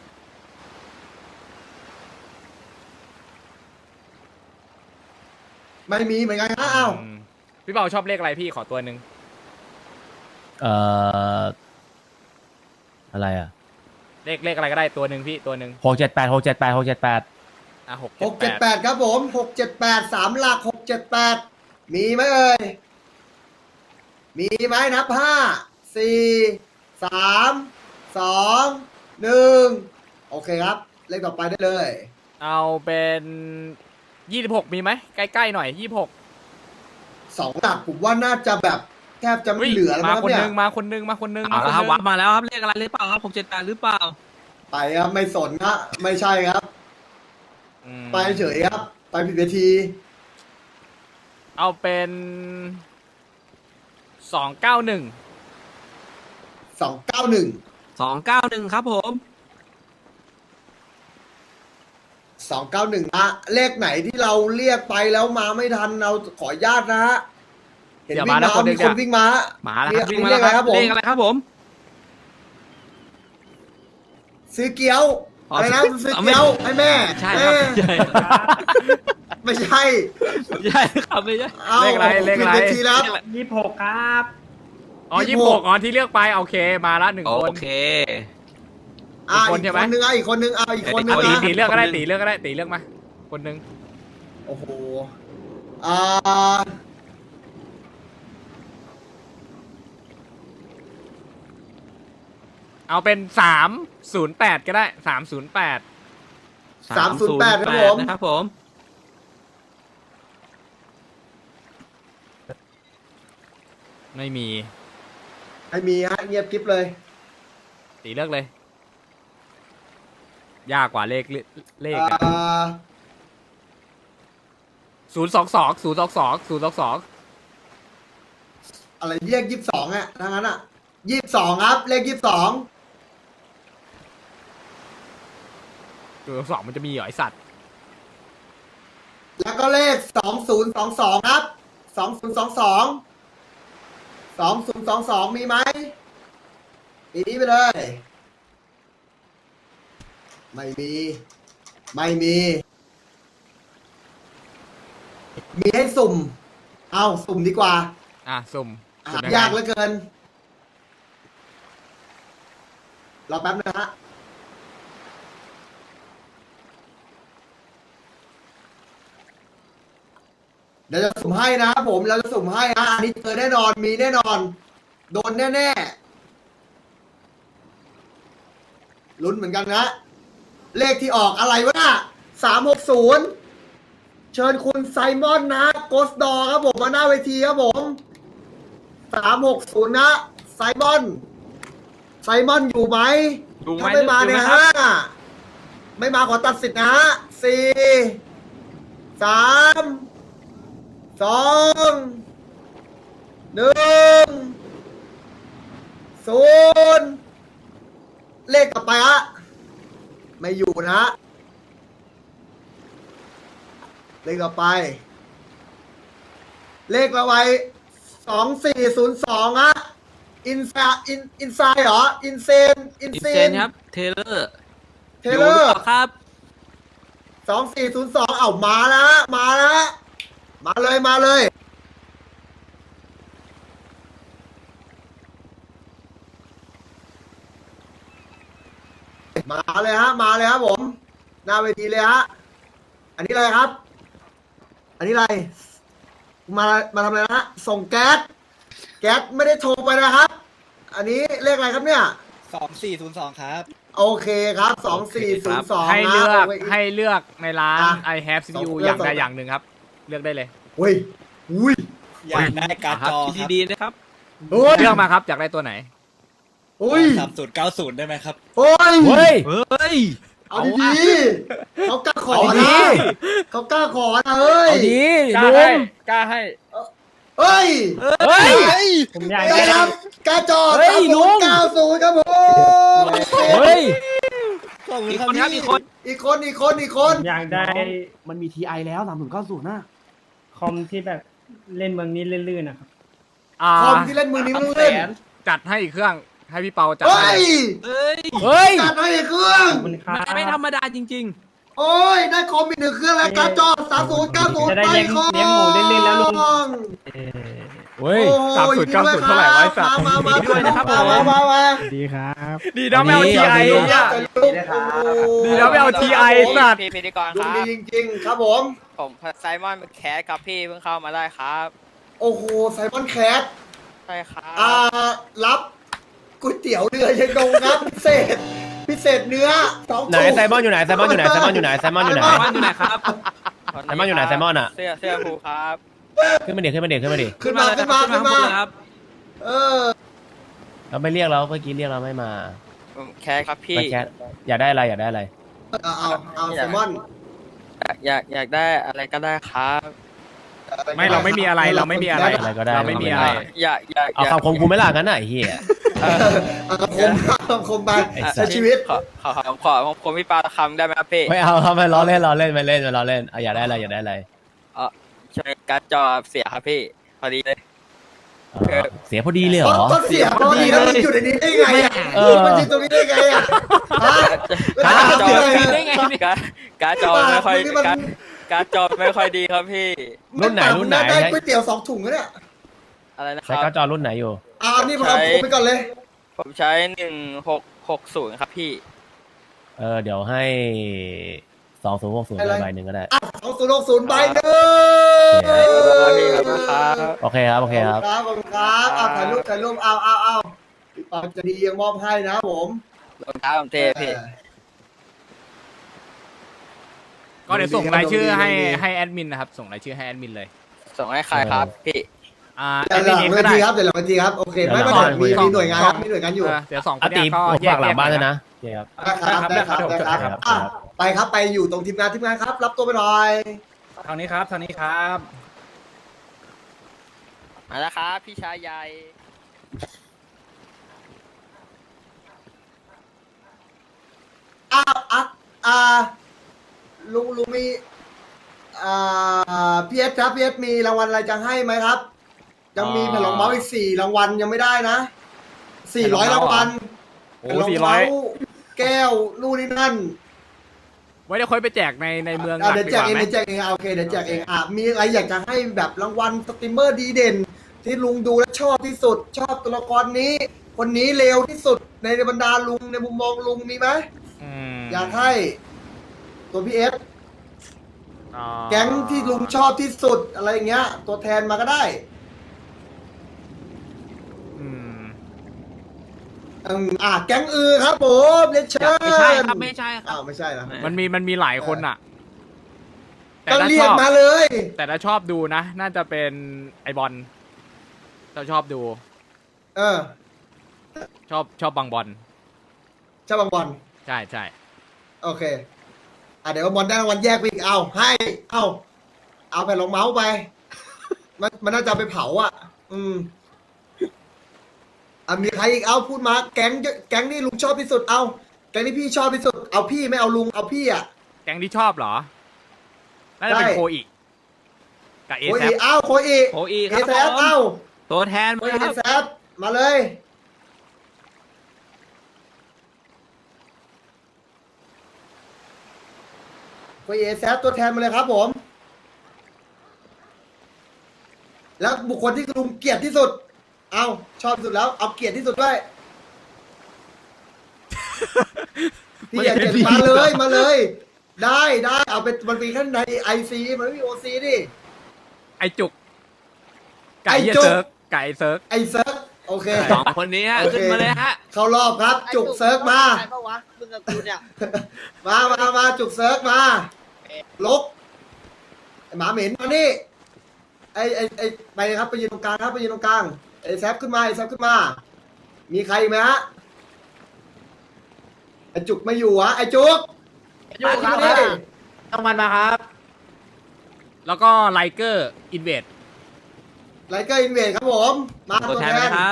Speaker 1: ไม่มีเหมือนกันฮะเอ้า
Speaker 3: อืมพี่เปาชอบเลขอะไรพี่ขอตัวหนึ่ง
Speaker 4: เอ่ออะไรอ่ะ
Speaker 3: เลขเลขอะไรก็ได้ตัวหนึ่งพี่ตัวหนึ่ง
Speaker 4: หกเจ็ดแปดหกเจ็ดแปดหกเจ็ดแปด
Speaker 3: อ่ะหก
Speaker 1: หก
Speaker 3: เจ็
Speaker 1: เจ็
Speaker 3: ด
Speaker 1: ด
Speaker 3: แป
Speaker 1: แป
Speaker 3: ด
Speaker 1: ดครับผมหกเจ็ดแปดสามหลักหกเจ็ดแปดมีไหมเอ่ย มีไหมนับห้าสี่สามสองหนึ่งโอเคครับ เลขต่อไปได้เลย
Speaker 3: เอาเป็นยี่สิบหกมีไหมใกล้ๆหน่อยยี่สิบหก
Speaker 1: สองหลักผมว่าน่าจะแบบแทบจะไม่เหลือแล้ว
Speaker 3: มา
Speaker 1: มั้ง
Speaker 3: คน
Speaker 1: เนี่
Speaker 3: ห
Speaker 1: ย
Speaker 3: นึงมาคนหนึงมาคนหนึง
Speaker 2: เอา
Speaker 3: มาค
Speaker 2: ละ
Speaker 3: น
Speaker 2: ครับ
Speaker 3: หนึง
Speaker 2: วัดมาแล้วครับเลขอะไรหรือเปล่าครับหกเจ็ดแปดหรือเปล่า
Speaker 1: ไปครับไม่สนนะไม่ใช่ครับ
Speaker 3: อืม
Speaker 1: ไปเฉยครับ ไปผิดเวที
Speaker 3: เอาเป็นสองเก้าหนึ่ง
Speaker 1: สองเก้าหนึ่ง
Speaker 2: สองเก้าหนึ่งครับผม
Speaker 1: สองเก้าหนึ่งนะเลขไหนที่เราเรียกไปแล้วมาไม่ทันเราขออนุญาตนะฮะเห็น
Speaker 3: อย่า
Speaker 1: วิ่
Speaker 3: มาง นะ
Speaker 1: มา
Speaker 3: คนหนึ
Speaker 1: มี
Speaker 3: ง
Speaker 1: คน
Speaker 3: เนี่ย
Speaker 1: วิ่งมา
Speaker 2: มาแล้วครับ
Speaker 1: เรี
Speaker 2: วิ่
Speaker 1: ย
Speaker 2: ง
Speaker 1: ก
Speaker 2: มาแล้วครับ
Speaker 1: เรี
Speaker 2: เล
Speaker 1: ยก
Speaker 2: ข
Speaker 1: อะไร
Speaker 2: อะไร
Speaker 1: ค
Speaker 2: ค
Speaker 1: รั
Speaker 2: รั
Speaker 1: บบ ผ
Speaker 2: ผม ม
Speaker 1: ซื้อเกี๊ยว
Speaker 2: อ๋อ
Speaker 1: อะไรนะ
Speaker 2: ซื้อ
Speaker 1: ซื้อเกี๊ยวให้แม่
Speaker 2: ใช่ครับ
Speaker 1: เอ้ย
Speaker 2: ใช่
Speaker 1: ไม่ใช่
Speaker 2: ใช่ครับไม่ใช่
Speaker 1: เอา
Speaker 3: เลขอะไรเลขอะไร
Speaker 1: ผิดวทีแล้ว
Speaker 7: ยี่สิบหกครับ
Speaker 3: อ๋อ
Speaker 1: ยี่
Speaker 3: ยี่
Speaker 1: สิ
Speaker 3: สิ
Speaker 1: บบ ห
Speaker 3: ห
Speaker 1: ก
Speaker 3: กอ๋อที่เลือกไปโอเคมาละหนึ่งคน
Speaker 2: โอเค
Speaker 1: อ่า
Speaker 2: อีกคน
Speaker 1: อีก
Speaker 2: ใช่ไห
Speaker 1: ค
Speaker 2: ม
Speaker 1: นนึงอ่ะอีกคนนึงเอาอีกคนนึง
Speaker 2: เอาตี
Speaker 1: นะ
Speaker 2: ตีเลือกก็ได้ตีเลือกก็ได้ตีเลือกมาคนหนึง
Speaker 1: โอ้โหอ่า
Speaker 2: เอาเป็นสามศูนย์แปดก็ได้สามศูนย์แปด
Speaker 1: สามศูนย์แปดครับผม
Speaker 2: นะครับผม ไม่มี
Speaker 1: ไม่มีฮะเงียบกริบเลย
Speaker 2: ตีเลือกเลย ยากกว่าเลขเลข
Speaker 1: อ่า
Speaker 2: ศูนย์สองสองศูนย์สองสองศูนย์สองสอง
Speaker 1: อะไรเรียกยี่สิบสองอ่ะทั้งนั้นอ่ะยี่สิบสองครับ เลขยี่สิบสอง
Speaker 2: ศูนย์สองสองมันจะมีเหรอไอสัตว์
Speaker 1: แล้วก็เลขสองศูนย์สองสองครับสองศูนย์สองสองสองศูนย์สองสองมีไหมปีนี้ไปเลย ไม่มี ไม่มี มีให้สุ่ม เอาสุ่มดีกว่า
Speaker 2: อ่ะสุ่ม
Speaker 1: หา
Speaker 2: สุ่มงไง
Speaker 1: ยากเหลือเกิน รอแป๊บนึงนะฮะ เดี๋ยวจะสุ่มให้นะครับผม เราจะสุ่มให้นะอันนี้เจอแน่นอน มีแน่นอน โดนแน่ๆ ลุ้นเหมือนกันนะ เลขที่ออกอะไรวะน่ะสามหกศูนย์ เชิญคุณไซมอนนะโกสดอครับผมมาหน้าเวทีครับผม สามหกศูนย์นะ ไซมอน ไซมอนอยู่ไหม
Speaker 2: ดูไหม
Speaker 1: ถ้าไม่มาเนี่ย
Speaker 2: ดูไหครับ
Speaker 1: ฮะไม่มาขอตัดสิทธิ์นะฮะสี่สามสองหนึ่งศูนย์เลขต่อไปฮะไม่อยู่นะฮะเลขต่อไป เลขต่อไปสองสี่ศูนย์สองฮะอินซาอินอินไซเหรออินเซนอิน
Speaker 2: อิน
Speaker 1: เซ
Speaker 2: เซน
Speaker 1: น
Speaker 2: ครับเทเลอร์
Speaker 1: เทเลอร์
Speaker 2: ครับ
Speaker 1: สองสี่ศูนย์สองเอ้ามาแล้วฮะมาแล้วฮะมาเลยมาเลย มาเลยฮะ มาเลยครับผม หน้าเวทีเลยฮะ อันนี้อะไรครับ อันนี้อะไร มา มาทำอะไรนะฮะ ส่งแก๊ส แก๊สไม่ได้โทรไปนะครับ อันนี้เลขอะไรครับเนี่ย
Speaker 5: สองสี่ศูนย์สองครับ
Speaker 1: โอเคครับ สองสี่ศูนย์สอง
Speaker 2: ให้เลือก
Speaker 1: นะ
Speaker 2: ให้เลือกในร้าน
Speaker 1: อ่ะ
Speaker 2: I have ซี พี ยู
Speaker 1: สอง
Speaker 2: อย่าง
Speaker 1: เลือก
Speaker 2: ใด
Speaker 1: สอง
Speaker 2: อย่างหนึ่งครับ เลือกได้เลย
Speaker 1: เฮ้ย อุ้ย
Speaker 5: อยากได้การ์ดจอครับ
Speaker 2: ดีๆนะครับ
Speaker 1: เฮ้ย
Speaker 2: เลือกมาครับอยากได้ตัวไหน
Speaker 1: อุ้ย
Speaker 5: สามศูนย์เก้าศูนย์ได้ไหมครับ
Speaker 1: เฮ้ย
Speaker 4: เฮ้ย
Speaker 2: เฮ้ย
Speaker 1: เอาดีๆเขากล้าขอ
Speaker 4: เอาดี
Speaker 1: นะเขากล้าขอนะเฮ้ย
Speaker 4: เอาดี
Speaker 3: กล้า
Speaker 4: ลุ
Speaker 3: ให้
Speaker 4: ง
Speaker 3: กล้าให้
Speaker 1: เฮ้ย
Speaker 4: เฮ้ย
Speaker 7: ผมอยาก
Speaker 1: ได้
Speaker 7: ได้
Speaker 1: ครับกาจอ
Speaker 4: เฮ้
Speaker 1: สาม
Speaker 4: ยลุ
Speaker 1: ศูน
Speaker 4: ง
Speaker 1: ย์เก้าศูนย์ครับผม
Speaker 4: เฮ้ย
Speaker 5: ขอบคุณ
Speaker 2: อีก
Speaker 5: ครับ
Speaker 2: คนครับ
Speaker 5: พี่
Speaker 2: อีกคน
Speaker 1: อีกคนอีกคนอีกคน
Speaker 7: ผมอยากได้
Speaker 6: มันมีทีไอแล้วสามศูนย์เก้าศูนย์น่ะ
Speaker 7: คอมที่แบบเล่นเมืองนี้ลื่นๆนะครับ
Speaker 2: อ่า
Speaker 1: คอมที่เล่นมือนี้ไม่ต้องเล่น
Speaker 2: จัดให้อีกเครื่องให้พี่เปาจัด
Speaker 1: เฮ้
Speaker 2: ให้
Speaker 1: ย
Speaker 2: เฮ้ย
Speaker 4: เฮ้ย
Speaker 1: จัดให้อีกเครื่อง
Speaker 7: ขอบคุณครับ
Speaker 2: ไม่ธรรมดาจริง
Speaker 1: โอ้ยได้คอมอีกหนึ่งเครื่องแล้วกาจอสามศูนย์เก้าศูนย์
Speaker 7: จะได้
Speaker 1: ไป
Speaker 7: เลี้ยง
Speaker 1: คอม
Speaker 7: เลี้ยงหมูเล่นๆแล้วลุง
Speaker 4: เฮ้ย
Speaker 1: โอ้
Speaker 2: สามศูนย์เก้าศูนย์เท่าไหร่วะไอ้สัตว์
Speaker 1: มามา
Speaker 2: ดีด้วยนะครับผม
Speaker 1: มามามา
Speaker 7: ดีครับ
Speaker 2: ๆ ดีนะไม่เอา
Speaker 4: ดี
Speaker 2: ทีไอ
Speaker 4: เอาดี
Speaker 2: เนี่ย ดีนะไม่เอา ที ไอ สัตว์
Speaker 9: พี่พิธีกร
Speaker 1: ด
Speaker 9: คว
Speaker 1: ง
Speaker 9: รั
Speaker 1: ดี
Speaker 9: บ
Speaker 1: จริงๆ ครับผม
Speaker 9: ผมไซมอนแคสครับพี่เพิ่งเข้ามาได้ครับ
Speaker 1: โอ้โหไซมอนแคท
Speaker 9: ใช่ครับ
Speaker 1: อ่ารับก๋วยเตี๋ยวเรือยังดงครับพิเศษ พิเศษเนื้อสอง
Speaker 4: ไหนไซมอนอยู่ไหนไซมอนอยู่ไหนไซมอนอยู่ไหนไซมอนอยู่ไหน
Speaker 2: บ้านอยู่ไหนครับ
Speaker 9: ค
Speaker 4: ไซมอนอยู่ไหนไซมอนอ่ะ
Speaker 9: เสื้อเสื้อผูครับ
Speaker 4: ขึ้นมาดิขึ้นมาดิขึ้นมาดิ
Speaker 1: ขึ้นมาขึ้นมาขึ้นมา
Speaker 2: ครับ
Speaker 1: เออ
Speaker 4: เราไม่เรียกเราเมื่อกี้เรียกเราไม่มา
Speaker 9: ผมแคสครับพี่
Speaker 4: มาแคทอยากได้อะไรอยากได้อะไร
Speaker 1: เอาเอาเอาไซมอน
Speaker 9: อยากอยากได้อะไรก็ได้ครับ
Speaker 2: ไม่เราไม่มีอะไรเราไม่มีอะไร
Speaker 4: อะไรก็ได้
Speaker 2: เราไม่มีอะไร
Speaker 9: อยากอยาก
Speaker 4: เอา
Speaker 9: อยาก
Speaker 4: คำคมกูไม่ล่ะงั้นน่ะไอ้เหี้ย
Speaker 1: เออเอาคำคมคำคมไป
Speaker 4: ไอ้สั
Speaker 1: ใช้
Speaker 4: ตว์
Speaker 1: ชีวิต
Speaker 9: ขอขอขอขอขอผมพี่ปาตะคำได้ไหมครับพี่
Speaker 4: ไม่เอาครับไม่ล้อเล่นล้อเล่นไม่เล่นไม่ล้อเล่นเอาอยากได้อะไรอยากได้อะไร
Speaker 9: เออช่วยการ์ดจอเสียครับพี่พอดีเลย
Speaker 4: เออเสียพอดีเลยเหรอ
Speaker 1: ก็เสียพอดีแล้วมันอยู่ในนี้ได้ไงอ่ะ
Speaker 4: เออ
Speaker 1: มันอยู่ตรงนี้ได้ไงอ่ะฮะ
Speaker 9: การ์ดจอ
Speaker 1: เสีย
Speaker 2: ได้ไงเนี่ย
Speaker 9: การ์ดการ์ดจอไม่ค่อย
Speaker 1: นี่มัน
Speaker 9: การ์ดการ์ดจอไม่ค่อยดีครับพี่
Speaker 4: รุ่นไหนรุ่นไหน
Speaker 1: ได้ก๋วยเตี๋ยวสองถุงแล้วเนี่ย
Speaker 9: อะไรนะค
Speaker 4: ใช้
Speaker 9: รับ
Speaker 4: การ์ดจอรุ่นไหนอยู่
Speaker 1: เอานี่ผมเอาผมไปก่อนเลย
Speaker 9: ผมใช้หนึ่งหกหกศูนย์ครับพี่
Speaker 4: เออเดี๋ยวให้สองศูนย์หกศูนย์ใบหนึ่งก็ได้
Speaker 1: อ่ะสองศูนย์หกศูนย์ใบหนึ่ง
Speaker 4: โอเคครับโอเคครับ
Speaker 1: ขอบคุณครับขอบคุณครับเอาถ่ายรูปถ่ายรูปเอาเอาเอาพี่ปากจะดียังมอบให้นะผม
Speaker 9: รองเท้าผมเทพี่
Speaker 3: ก็เดี๋ยวส่งรายชื่อให้ให้แอดมินนะครับส่งรายชื่อให้แอดมินเลย
Speaker 9: ส่งให้ใครครับพี่
Speaker 3: อ่า
Speaker 1: เดี๋ยวหลัง
Speaker 3: เอง
Speaker 1: เว
Speaker 3: ก็ได้
Speaker 1: ทีครับเดี๋ยวหลังเวทีครับโอเคไม่ไม่
Speaker 4: เดี๋ยวหลัง
Speaker 1: มี
Speaker 4: เวที
Speaker 1: มีหน่วยงานครับมีหน่วยงานอยู่
Speaker 3: เเดี๋ยวสองค
Speaker 4: อาน
Speaker 3: เนี้
Speaker 4: ตี
Speaker 3: ยก็
Speaker 4: ผม
Speaker 3: แย
Speaker 4: ฝาก กหลังบ้านด้วย
Speaker 3: นะ
Speaker 4: นะโอเคครับ
Speaker 1: ได้ครับได้ครับได้ครับ
Speaker 4: ได้ครับ
Speaker 1: อ่ะไปครับไปอยู่ตรงทีมงานทีมงานครับ รับตัวไปหน่อย
Speaker 3: ทางนี้ครับทางนี้ครับ
Speaker 9: มาแล้วครับพี่ชายใหญ่
Speaker 1: อ้าวอ่ะอ่าลุงลุงมีอ่าพีเอสครับพีเอสมีรางวัลอะไรจะให้ไหมครับ ยังมีแผ่นรองเมาส์อีกสี่รางวัลยังไม่ได้นะสี่ร้อยรางวัล
Speaker 3: โอ้
Speaker 1: แผ่นรอง
Speaker 3: สี่ร้อ
Speaker 1: เมาย ส์แก้วนู่นนี่นั่น
Speaker 3: ไว้เดี๋ยวค่อยไปแจกในในเมืองห
Speaker 1: อ่ะ
Speaker 3: ลัก
Speaker 1: เดี๋ยว
Speaker 3: ดี
Speaker 1: แจ
Speaker 3: ก
Speaker 1: ก
Speaker 3: ว่า
Speaker 1: เอง
Speaker 3: ไหม
Speaker 1: เดี๋ยวแจกเองอ่ะโอเคเดี๋ยวแจกเองอ่ะมีอะไรอยากจะให้แบบรางวัลสตรีมเมอร์ดีเด่น ที่ลุงดูและชอบที่สุด ชอบตัวละครนี้ คนนี้เลวที่สุดในบรรดาลุงในมุมมองลุงมีไหม
Speaker 3: อืม
Speaker 1: อยากให้ตัวพีเอส
Speaker 3: อ่า
Speaker 1: แก๊งที่ลุงชอบที่สุดอะไรอย่างเงี้ย ตัวแทนมาก็ได้
Speaker 3: อืม
Speaker 1: อืมอ่ะแก๊งอือครับผมเลนเชอร์
Speaker 2: ไม่ใช่ครับไม่ใช่ครับ
Speaker 1: อ้าวไม่ใช่นะ
Speaker 3: มันมีมันมีหลายคนอ่ะ แต่
Speaker 1: ก็
Speaker 3: ถ้า
Speaker 1: เรี
Speaker 3: ช
Speaker 1: ยก
Speaker 3: อบ
Speaker 1: มาเลย
Speaker 3: แต่ถ้าชอบดูนะ น่าจะเป็นไอบอลเราชอบดู
Speaker 1: เออ
Speaker 3: ชอบชอบบางบอล
Speaker 1: เจ้าบางบอล
Speaker 3: ใช่ใช่
Speaker 1: โอเค อ่ะเดี๋ยวบอลได้รางวัลแยกไปอีกเอาให้ เอาเอาแผ่นรองเมาส์ไป มันมันน่าจะเอาไปเผาอ่ะ อืมอ่ะมีใครอีกเอาพูดมา แก๊งเยอะแก๊งนี่ลุงชอบที่สุดเอาแก๊งที่พี่ชอบที่สุดเอาพี่ไม่เอาลุงเอาพี่อ่ะ
Speaker 3: แก๊งที่ชอบเหรอ น่าจะเป็น
Speaker 1: ใช่
Speaker 3: โคอีกับเอ
Speaker 1: โค
Speaker 3: แซ
Speaker 1: อีเอาโคอี
Speaker 2: โอ้อีค
Speaker 1: เอ
Speaker 2: รับ
Speaker 1: แซ
Speaker 2: ผม
Speaker 1: เอา
Speaker 2: ตัวแทน
Speaker 1: โค
Speaker 2: มา
Speaker 1: อี
Speaker 2: ค
Speaker 1: เอ
Speaker 2: รับ
Speaker 1: แซมาเลยโคอีเอแซตัวแทนมาเลยครับผม แล้วบุคคลที่ลุงเกลียดที่สุด เอาชอบที่สุดแล้ว เอาเกลียดที่สุดด้วย พี่อยากเกลียดมาเลยมาเลย ได้ได้เอาเป็นมันมีแค่ในไอซีมันไม่มีโอซีดิ
Speaker 3: ไอจุก ไก่
Speaker 1: ไอ้
Speaker 3: เหี้ย
Speaker 1: จุก
Speaker 3: เซิร์กไก่เซิร์ก
Speaker 1: ไอเซิร์ฟโอเค
Speaker 2: สองคนนี้ฮะ
Speaker 1: โอเค
Speaker 2: ขึ้นมาเลยฮะ
Speaker 1: เข้ารอบครับ จุกเซิร์ฟมา
Speaker 5: ใครปะวะมึงกับกูเนี่ย
Speaker 1: มามามาจุกเซิร์ฟมาลกไอหมาเหม็นมานี่ไอไอไอไปครับไปยืนตรงกลางครับไปยืนตรงกลางไอแซฟขึ้นมาไอแซฟขึ้นมา มีใครอีกไหมฮะไอจุกไม่อยู่วะไอจุก
Speaker 5: อยู่ครับ
Speaker 1: มาดิ
Speaker 5: ต้องมันมาครับ
Speaker 3: แล้วก็ไลเกอร์อินเวด
Speaker 1: ไลเกอร์อินเวดครับผมมา
Speaker 2: ตัว
Speaker 1: ตัว
Speaker 2: แท
Speaker 1: แท
Speaker 2: นไหม
Speaker 1: น
Speaker 2: ครับ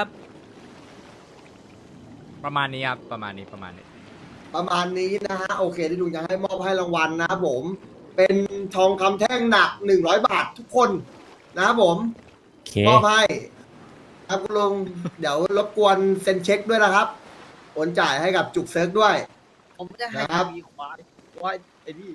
Speaker 3: ประมาณนี้ครับ ประมาณนี้ประมาณนี้
Speaker 1: ประมาณนี้นะฮะโอเคที่ลุงจะให้มอบให้รางวัลนะครับผม เป็นทองคำแท่งหนักหนึ่งร้อยบาททุกคนนะครับผม
Speaker 4: โอเค
Speaker 1: มอบให้ครับคุณลุง เดี๋ยวรบกวนเซ็นเช็คด้วยนะครับโอนจ่ายให้กับจุกเซิร์กด้วย
Speaker 5: ผมจะให้
Speaker 1: นะครับ
Speaker 5: มีควายควายไอ้นี่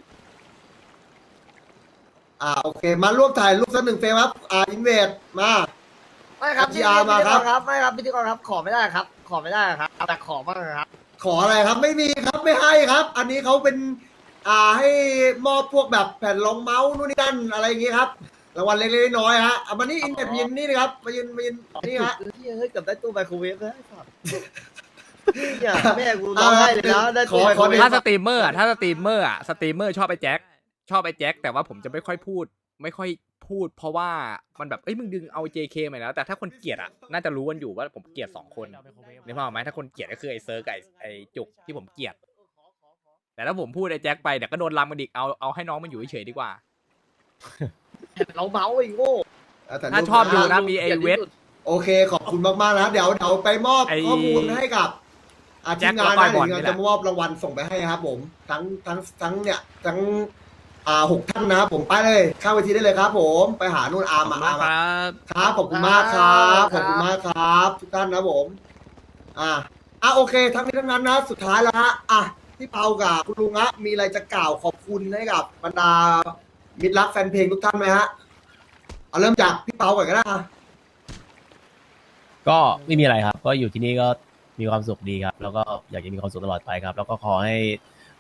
Speaker 1: อ่าโอเค มาร่วมถ่ายรูปสักหนึ่งเฟรมครับอ่าอินเวดมา
Speaker 5: ไม่ครับ
Speaker 1: พี อาร์ มาครับ
Speaker 5: พิธีกครับไม่ครับพิธีกรครับขอไม่ได้ครับ ขอไม่ได้ครับแต่ขอบ้างครับ
Speaker 1: ขออะไรครับไม่มีครับไม่ให้ครับ อันนี้เขาเป็น อ่าให้มอบพวกแบบแผ่นรองเมาส์นู่นนี่นั่นอะไรอย่างงี้ครับรางวัลเล็กๆน้อยๆฮะเอามานี่อินเวดมายืนนี่นะครับมายืนมายืนนี่ฮะ
Speaker 5: ที่เฮ้ยเกือบได้ตู้ไมโครเวฟเลยไอ้สัตว์เนี่ยแม่กูร้องไห้เลยนะได้ตู้ไมโครเวฟ
Speaker 3: ถ้าสตรีมเมอร์อะถ้าสตรีมเมอร์อะสตรีมเมอร์ชอบไอ้แจ็คชอบไอ้แจ็คแต่ว่าผมจะไม่ค่อยพูด ไม่ค่อยพูด เพราะว่ามันแบบเอ้ยมึงดึงเอา เจ เค มาแล้วแต่ถ้าคนเกลียดอะน่าจะรู้กันอยู่ว่าผมเกลียดสองคนนึกภาพออกไหมถ้าคนเกลียดก็คือไอ้เซิร์กกับไอ้ไอ้จุกที่ผมเกลียดแต่ถ้าผมพูดไอ้แจ็คไปเดี๋ยวก็โดนลำกันอีกเอาเอาให้น้องมันอยู่เฉยๆดีกว่า
Speaker 5: เราเมาส์ไอ้โง่
Speaker 1: อ่ถ่ยรูป
Speaker 3: ถ้าชอบดูนะมีไอ้เวท
Speaker 1: โอเคขอบคุณมากๆนะเดี๋ยวเดี๋ยวไปมอบ
Speaker 3: ไอ้
Speaker 1: ข้อมูลให้กับอา
Speaker 3: แจ็
Speaker 1: ที
Speaker 3: ค
Speaker 1: มงาน
Speaker 3: แล้วก็
Speaker 1: นะ
Speaker 3: บอล
Speaker 1: เดี๋ยว
Speaker 3: นี่แหละ
Speaker 1: จะมอบรางวัลส่งไปให้ครับ ผมทั้งทั้งทั้งเนี่ยทั้งอ่าหกท่านนะครับผมไปเลยข้ามเวทีได้เลยครับ ผมไปหานู่นอาร์ม
Speaker 2: ขอบ
Speaker 1: มา
Speaker 2: คุณ
Speaker 1: อาร์ม
Speaker 2: ค รับ
Speaker 1: มาครับขอบคุณมากครับขอบคุณมากครับ ทุกท่านนะผม อ่าอ่ะโอเค ทั้งนี้ทั้งนั้นนะสุดท้ายแล้วฮะอ่ะพี่เปากับคุณลุงฮะมีอะไรจะกล่าวขอบคุณให้กับบรรดามิตรรักแฟนเพลงทุกท่านไหมฮะเอาเริ่มจากพี่เปาก่อนก็ได้อ่ะ
Speaker 4: ก็ไม่มีอะไรครับ ก็อยู่ที่นี่ก็มีความสุขดีครับ แล้วก็อยากจะมีความสุขตลอดไปครับ แล้วก็ขอให้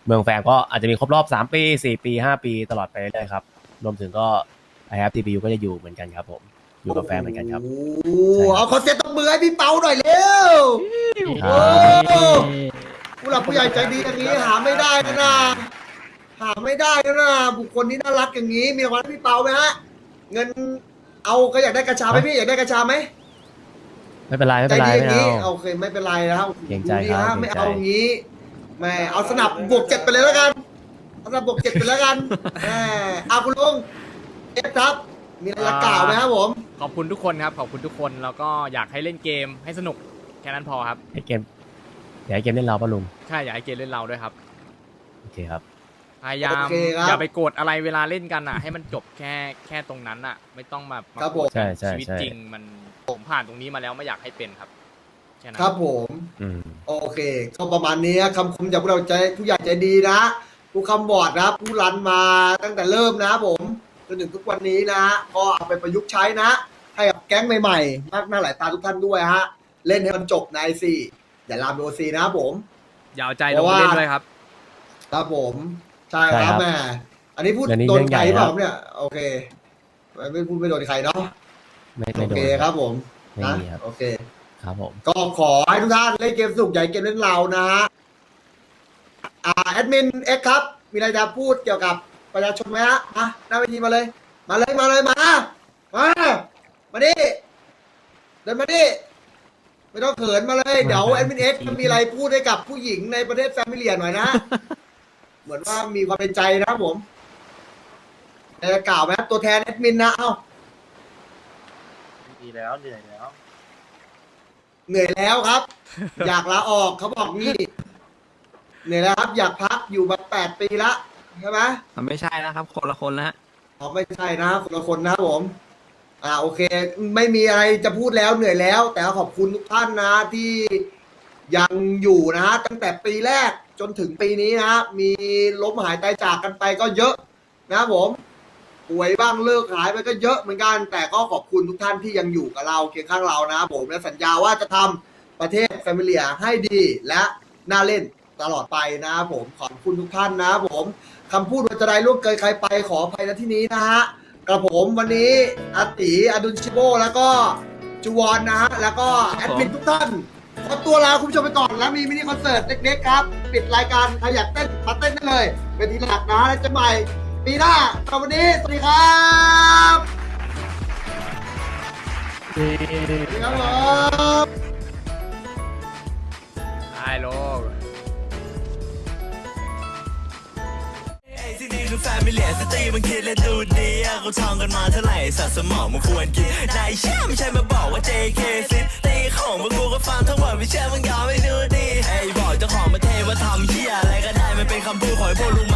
Speaker 4: เมืองแฟมก็อาจจะมีครบรอบสามปีสี่ปีห้าปีตลอดไปเรื่อยๆครับรวมถึงก็ ไอ แฮป ที พี ยู ก็จะอยู่เหมือนกันครับผมอยู่กับแฟมเหมือนกันครับ
Speaker 1: โอ้โหเอาคอนเซ็ปต์ตบมือให้พี่เปาหน่อยเร็ว
Speaker 4: ค
Speaker 1: โอ้
Speaker 4: รับ
Speaker 1: ผู้หลักผู้ใหญ่ใจดีอย่างนี้หาไม่ได้นะนะหาไม่ได้นะนะบุคคลที่น่ารักอย่างนี้มีรางวัลให้พี่เปาไหมฮะเงินเอาก็อยากได้กระชาไหมพี่อยากได้กระชาไหม
Speaker 4: ไม่เป็นไรไม่
Speaker 1: ใจ
Speaker 4: เป็นไร
Speaker 1: ดีอย่าง
Speaker 4: ไม่
Speaker 1: นี้
Speaker 4: เอา
Speaker 1: โอเคไม่เป็นไรนะครับ
Speaker 4: เกรงใจ
Speaker 1: ดูดี
Speaker 4: ครับ
Speaker 1: ฮะไม่
Speaker 4: เกรงใจ
Speaker 1: เอาอย่างนี้แหม่เอาสนับบวกเจ็ดไปเลยแล้วกันเอาสนับบวกเจ็ดไปแล้วกันแหมเอาคุณลุงเอฟครับ มีอะไรจะกล่าวไหมครับผม
Speaker 3: ขอบคุณทุกคนครับขอบคุณทุกคนแล้วก็อยากให้เล่นเกมให้สนุกแค่นั้นพอครับ
Speaker 4: ให้เกมอยากให้เกมเล่นเราป่ะลุง
Speaker 3: ใช่อยากให้เกมเล่นเราด้วยครับ
Speaker 4: โอเคครับ
Speaker 3: พยายาม
Speaker 1: โอเคครับ
Speaker 3: อย่าไปโกรธอะไรเวลาเล่นกันอ่ะ ให้มันจบแค่แค่ตรงนั้นอ่ะ ไม่ต้องมามา
Speaker 1: ครับ
Speaker 3: โกรธ
Speaker 1: ผม
Speaker 3: กัน
Speaker 4: ใช่ใช่
Speaker 3: ชีวิต
Speaker 4: ใช่
Speaker 3: จริงมันผมผ่านตรงนี้มาแล้วไม่อยากให้เป็นครับแค่นั้น
Speaker 1: ครับผม
Speaker 4: อืม
Speaker 1: โอเคก็ประมาณนี้คำคมจากพวกเราใจผู้ใหญ่ใจดีนะผู้คำบอร์ดนะผู้รันมาตั้งแต่เริ่มนะผมจนถึงทุกวันนี้นะก็เอาไปประยุกต์ใช้นะ ให้กับแก๊งใหม่ๆ มากหน้าหลายตาทุกท่านด้วยฮะ เล่นให้มันจบในไอซีอย่าลามโอซีนะครับผม
Speaker 3: อย่าเอาใจ
Speaker 1: เพ
Speaker 3: ลง
Speaker 1: ราะว่า
Speaker 3: เล่นด้วยครับ
Speaker 1: ครับผมใช่
Speaker 4: ใช่
Speaker 1: ค
Speaker 4: ครั
Speaker 1: รับบ แม่อันนี้พูด
Speaker 4: เรื่องนี้
Speaker 1: โดน
Speaker 4: เรื่อง
Speaker 1: ใคร
Speaker 4: ใหญ่
Speaker 1: เปล่า
Speaker 4: ครับ
Speaker 1: เนี่ยโอเคไม่ไม่พูดไม่โดนใครเนาะ
Speaker 4: ไม่
Speaker 1: โอ
Speaker 4: ไม่โด
Speaker 1: เคน ครับผม
Speaker 4: ไม่
Speaker 1: นะ
Speaker 4: มีครับ
Speaker 1: โอเค
Speaker 4: ครับผม
Speaker 1: ก็ขอให้ทุกท่านเล่นเกมสนุกใหญ่เกมเล่นเรานะฮะอ่าแอดมินเอ็กครับ มีอะไรจะพูดเกี่ยวกับประชาชนไหมฮะมาหน้าเวทีมาเลย มาเลยมาเลยมา มา มาดิเดินมาดิไม่ต้องเขินมาเลย เดี๋ยวแอดมินเอ็กจะมีอะไรพูดให้กับผู้หญิงในประเทศแฟมิเลียหน่อยนะ เหมือนว่ามีความเป็นใจนะครับผมจะกล่าวไหมครับตัวแทนแอดมินนะเอ้า
Speaker 9: ดีแล้วเหนื่อยแล้ว
Speaker 1: เหนื่อยแล้วครับ อยากลาออกเขาบอกงี้เหนื่อยแล้วครับ อยากพักอยู่มาแปดปีละใช่ไหม
Speaker 2: มันไม่ใช่นะครับ คนละคนละ
Speaker 1: อ๋อไม่ใช่นะคนละคนนะครับผม อ่าโอเค ไม่มีอะไรจะพูดแล้วเหนื่อยแล้ว แต่ขอบคุณทุกท่านนะที่ยังอยู่นะฮะตั้งแต่ปีแรกจนถึงปีนี้นะฮะมีล้มหายตายจากกันไปก็เยอะนะครับผม ป่วยบ้างเลิกหายไปก็เยอะเหมือนกัน แต่ก็ขอบคุณทุกท่านที่ยังอยู่กับเราเคียงข้างเรานะครับผมและสัญญาว่าจะทำประเทศแฟมิเลียให้ดีและน่าเล่นตลอดไปนะครับผมขอบคุณทุกท่านนะครับผมคำพูดว่าจะได้ล่วงเกินใครไปขออภัยณที่นี้นะฮะกระผมวันนี้อาติอดุลชิโบแล้วก็จูวอนนะฮะแล้วก็แอดมินทุกท่านขอตัวลาคุณผู้ชมไปก่อนแล้วมีมินิคอนเสิร์ตเล็กๆครับปิดรายการใครอยากเต้นมาเต้นได้เลยเป็นทีหลักนะแล้วจะใหม่ปีหน้าสำหรับวันนี้สวัสดีครับสวัสดีครับผม
Speaker 3: ไอ้โลก
Speaker 10: ที่นี่คือแฟมิเลียสตรีมันคิดและดูดีอะเขาท่องกันมาเท่าไหร่สัตว์สมองมันควรกินนายเชื่อไม่ใช่มาบอกว่า เจ เค ซิตีของพวกกูก็ฟังทั้งหมดไม่เชื่อมึงยอมไม่ดูดีไอ้บอกเจ้าของประเทศว่าทำเหี้ยอะไรก็ได้มันเป็นคำพูดของไอ้พวกลุง